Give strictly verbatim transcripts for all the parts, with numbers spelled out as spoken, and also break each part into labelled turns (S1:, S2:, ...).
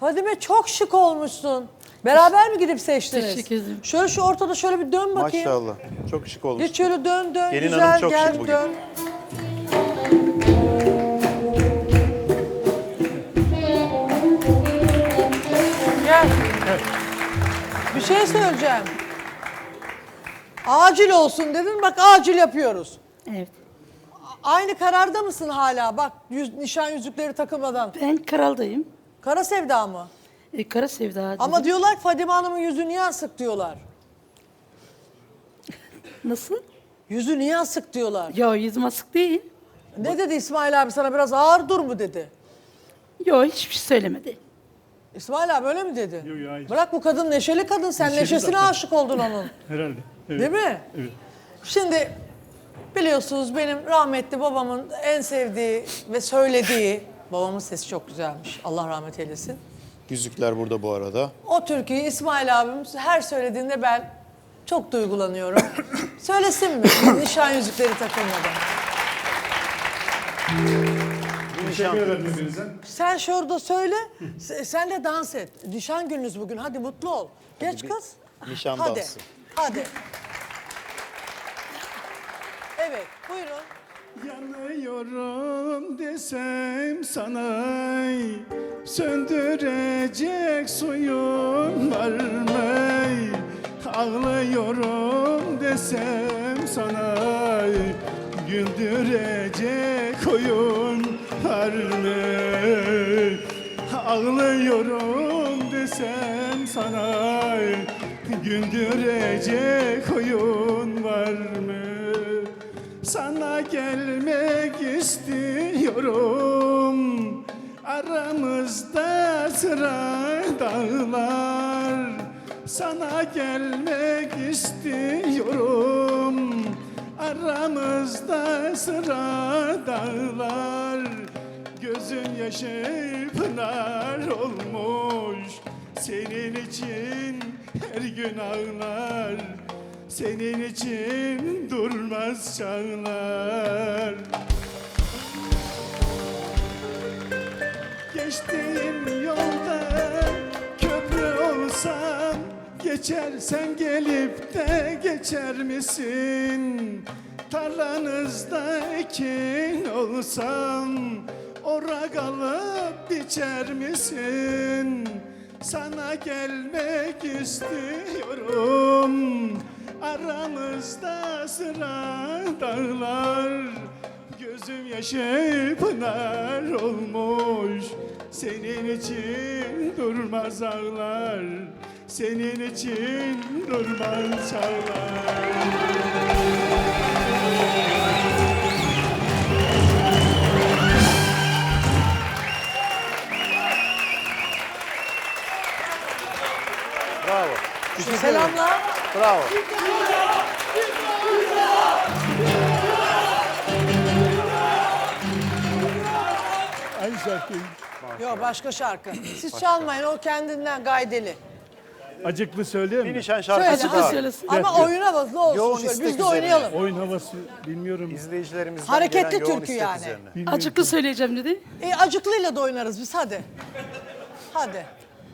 S1: Fadime çok şık olmuşsun. Beraber mi gidip seçtiniz?
S2: Teşekkür ederim.
S1: Şöyle şu ortada şöyle bir dön bakayım.
S3: Maşallah. Çok şık olmuş.
S1: Geç şöyle dön dön.
S3: Gelin
S1: Güzel
S3: hanım çok
S1: gel
S3: şık bugün.
S1: dön. Gel. Bir şey söyleyeceğim. Acil olsun dedin, bak acil yapıyoruz.
S2: Evet.
S1: Aynı kararda mısın hala? Bak yüz, nişan yüzükleri takılmadan.
S2: Ben Karal'dayım.
S1: Kara sevda mı?
S2: E, Kara Sevda dedim.
S1: Ama diyorlar ki Fadime Hanım'ın yüzü niye asık diyorlar.
S2: Nasıl?
S1: Yüzü niye asık diyorlar.
S2: Ya yüzüm asık değil.
S1: Ne dedi İsmail abi sana, biraz ağır dur mu dedi.
S2: Yo hiçbir şey söylemedi.
S1: İsmail abi öyle mi dedi?
S4: Yok, yok, hayır.
S1: Bırak, bu kadın neşeli kadın, sen
S4: Neşeli
S1: neşesine
S4: zaten.
S1: aşık oldun onun.
S4: Herhalde. Evet.
S1: Değil mi?
S4: Evet.
S1: Şimdi biliyorsunuz benim rahmetli babamın en sevdiği ve söylediği, babamın sesi çok güzelmiş, Allah rahmet eylesin.
S3: Yüzükler burada bu arada.
S1: O türküyü İsmail abim her söylediğinde ben çok duygulanıyorum. Söylesin mi? Nişan yüzükleri takılmadan.
S4: Teşekkür ederim hepinize.
S1: Sen şurada söyle, se- sen de dans et. Nişan gününüz bugün, hadi mutlu ol. Geç
S3: bir
S1: kız.
S3: nişan
S1: hadi.
S3: dansı.
S1: Hadi. Evet, buyurun.
S4: Yanıyorum desem sana, söndürecek suyun var mı? Ağlıyorum desem sana, güldürecek oyun var mı? Ağlıyorum desem sana, güldürecek oyun var mı? Sana gelmek istiyorum, aramızda sıra dağlar. Sana gelmek istiyorum, aramızda sıra dağlar. Gözün yaşı pınar olmuş, senin için her gün ağlar. Senin için durmaz çağlar. Geçtiğim yolda köprü olsam, geçersen gelip de geçer misin? Tarlanızda ekin olsam, ora kalıp biçer misin? Sana gelmek istiyorum, aramızda sıra dağlar. Gözüm yaşı pınar olmuş, senin için durmaz ağlar. Senin için durmaz çağlar.
S3: Bravo. Teşekkür ederim.
S1: Selamlar.
S3: Bravo.
S4: Aynı şarkıyı.
S1: Yok, başka şarkı. Siz çalmayın, o kendinden gaydeli.
S4: Acıklı söyleyeyim
S3: Bir
S4: mi?
S3: nişan
S1: Söyle,
S3: şarkısı
S2: Acıklı
S3: daha.
S2: söylesin.
S1: ama
S4: Gel.
S1: oyuna bak, ne olsun
S3: Yoğun
S1: şöyle.
S3: istek
S1: Biz de
S3: üzerine.
S1: oynayalım.
S4: Oyun havası bilmiyorum.
S3: İzleyicilerimizden
S1: Hareketli
S3: gelen yoğun
S1: türkü
S3: istek
S1: yani.
S3: üzerine.
S4: Bilmiyorum.
S2: Acıklı söyleyeceğim dedi.
S1: E, acıklıyla da oynarız biz, hadi. Hadi.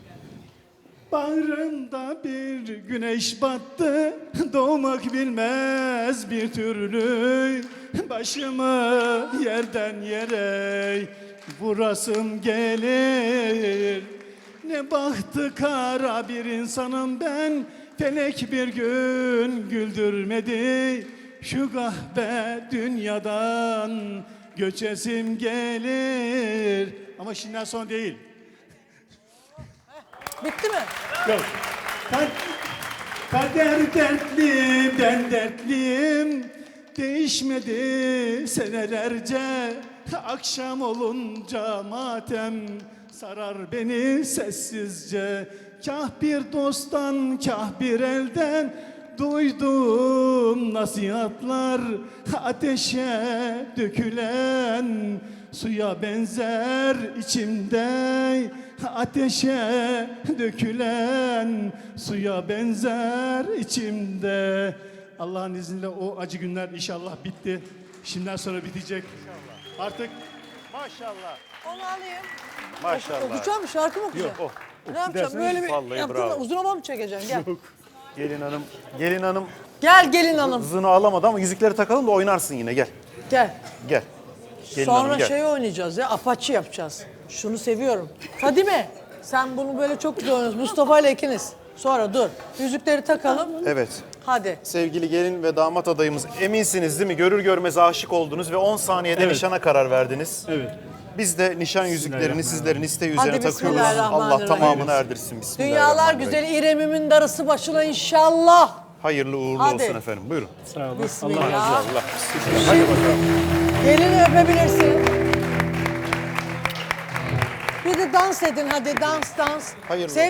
S4: Bağrımda bir güneş battı, doğmak bilmez bir türlü. Başımı yerden yere vurasım gelir. Ne bahtı kara bir insanım ben, felek bir gün güldürmedi. Şu kahpe dünyadan göçesim gelir. Ama şimdiden son değil.
S1: Bitti mi?
S4: Yok. Kad- Kader dertli, ben dertliyim. Değişmedi senelerce. Akşam olunca matem sarar beni sessizce. Kah bir dosttan, kah bir elden duydum nasihatlar. Ateşe dökülen suya benzer içimde. Ateşe dökülen suya benzer içimde. Allah'ın izniyle o acı günler inşallah bitti. Şimdiden sonra bitecek. Artık
S3: Maşallah.
S1: Onu alayım.
S3: Maşallah.
S1: Okuyacağım mı? Şarkı mı okuyacağım?
S3: Oh.
S1: Ne yapacağım? Böyle bir
S3: Vallahi
S1: yaptın
S3: bravo.
S1: da uzun hava mı çekeceksin? Gel.
S3: Gelin hanım, gelin hanım
S1: Gel gelin hanım.
S3: hızını alamadı ama yüzükleri takalım da oynarsın yine. Gel.
S1: Gel.
S3: Gel. Gelin
S1: Sonra
S3: hanım gel.
S1: şey oynayacağız ya. Apache yapacağız. Şunu seviyorum. Fadime sen bunu böyle çok güzel oynuyorsun. Mustafa ile ikiniz. Sonra dur. Yüzükleri takalım.
S3: Evet.
S1: Hadi.
S3: Sevgili gelin ve damat adayımız, eminsiniz değil mi? Görür görmez aşık oldunuz ve on saniyede
S4: Evet.
S3: nişana karar verdiniz.
S4: Evet.
S3: Biz de nişan yüzüklerini sizlerin isteği üzerine
S1: Hadi
S3: takıyoruz.
S1: bismillahirrahmanirrahim.
S3: Allah tamamını erdirsin.
S1: Dünyalar
S3: Bismillahirrahmanirrahim.
S1: güzeli İrem'imin darısı başına inşallah.
S3: Hayırlı uğurlu
S1: Hadi.
S3: olsun efendim. Buyurun.
S4: Sağ olun.
S1: Bismillah.
S4: Allah razı olsun.
S3: Allah.
S1: Şimdi gelini öpebilirsin. Bir de dans edin hadi dans dans.
S3: Hayırlı
S1: Sev-